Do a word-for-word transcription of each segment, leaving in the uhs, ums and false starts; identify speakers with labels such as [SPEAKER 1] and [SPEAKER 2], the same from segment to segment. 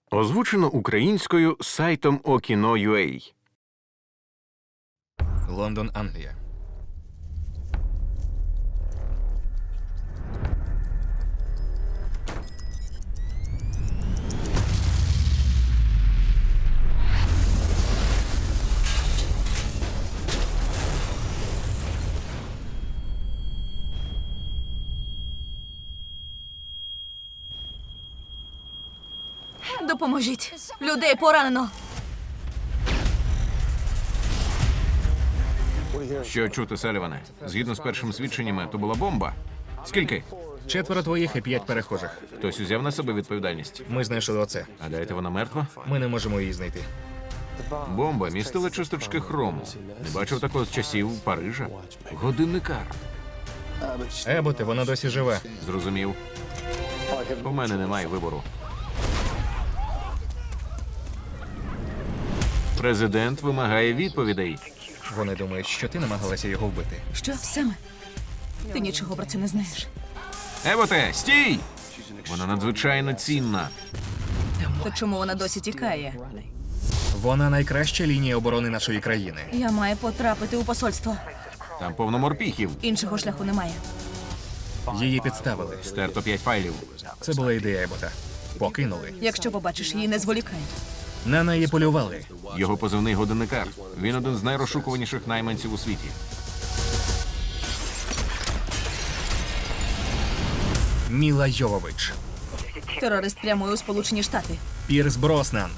[SPEAKER 1] Озвучено українською сайтом Okino.ua.
[SPEAKER 2] Лондон, Англія.
[SPEAKER 3] Допоможіть! Людей поранено!
[SPEAKER 1] Що чути, Саліване? Згідно з першими свідченнями, то була бомба. Скільки?
[SPEAKER 2] Четверо твоїх і п'ять перехожих.
[SPEAKER 1] Хтось узяв на себе відповідальність.
[SPEAKER 2] Ми знайшли оце.
[SPEAKER 1] Гадаєте, вона мертва?
[SPEAKER 2] Ми не можемо її знайти.
[SPEAKER 1] Бомба містила часточки хрому. Не бачив такого з часів Парижа. Годинникар.
[SPEAKER 2] Еботе, вона досі жива.
[SPEAKER 1] Зрозумів. У мене немає вибору. Президент вимагає відповідей.
[SPEAKER 2] Вони думають, що ти намагалася його вбити.
[SPEAKER 3] Що саме? Ти нічого про це не знаєш.
[SPEAKER 1] Еботе, стій! Вона надзвичайно цінна.
[SPEAKER 3] То чому вона досі тікає?
[SPEAKER 2] Вона найкраща лінія оборони нашої країни.
[SPEAKER 3] Я маю потрапити у посольство.
[SPEAKER 1] Там повно морпіхів.
[SPEAKER 3] Іншого шляху немає.
[SPEAKER 2] Її підставили.
[SPEAKER 1] Стерто п'ять файлів.
[SPEAKER 2] Це була ідея Ебота. Покинули.
[SPEAKER 3] Якщо побачиш її, не зволікай.
[SPEAKER 2] На неї полювали.
[SPEAKER 1] Його позивний годинникар. Він один з найрозшукуваніших найманців у світі.
[SPEAKER 2] Міла Йовович.
[SPEAKER 3] Терорист прямує у Сполучені Штати.
[SPEAKER 2] Пірс Броснан.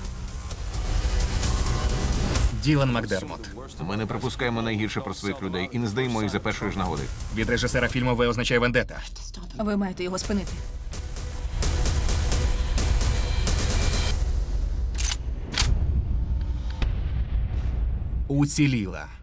[SPEAKER 2] Ділан Макдермот.
[SPEAKER 1] Ми не припускаємо найгірше про своїх людей і не здаємо їх за першої ж нагоди.
[SPEAKER 2] Від режисера фільму «В» означає «Вендета».
[SPEAKER 3] Ви маєте його спинити.
[SPEAKER 2] Уціліла.